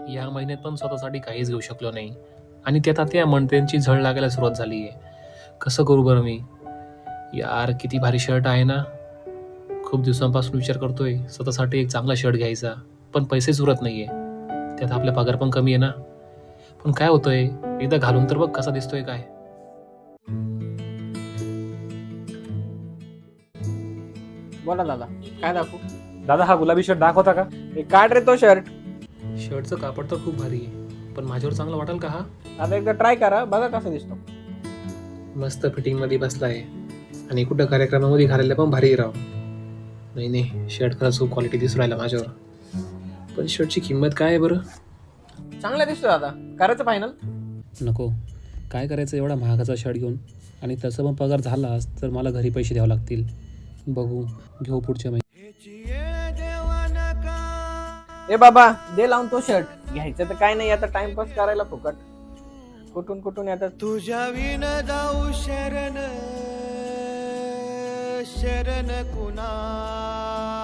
या महिन्यात पण स्वतःसाठी काहीच घेऊ शकलो नाही आणि त्यात आता या मंडळींची झळ लागायला सुरुवात झाली आहे. कसं करू बरं मी? यार किती भारी शर्ट आहे ना. खूप दिवसांपासून विचार करतोय स्वतःसाठी एक चांगला शर्ट घ्यायचा, पण पैसेच उरत नाहीये. त्यात आपला पगार पण कमी आहे ना. पण काय होतंय, एकदा घालून तर बघ कसा दिसतोय काय. बोला दादा, काय दाखवू? दादा हा गुलाबी शर्ट दाखवता का? हे काढ रे तो शर्ट. शर्टचं कापड तर खूप भारी आहे, पण माझ्यावर चांगला वाटेल का हा? आता एकदा ट्राय करा, बघा कसा दिसतो. मस्त फिटिंग मध्ये बसलाय आणि कुठं कार्यक्रमामध्ये घालायला पण भारी राव. नाही नाही, शर्ट खरंच खूप क्वालिटी दिसून राहिला माझ्यावर. पण शर्टची किंमत काय आहे बरं? चांगला दिसतो दादा, करायचं फायनल. नको, काय करायचं एवढा महागाचा शर्ट घेऊन, आणि तसं पण पगार झालाच तर मला घरी पैसे द्यावे लागतील. बघू, घेऊ पुढच्या महिन्यात. ए बाबा, दे लावून तो शर्ट. घ्यायचं तर काय नाही, आता टाइमपास करायला फुकट. कुठून कुठून येतात. तुझ्या विन जाऊ शरण शरण कुणा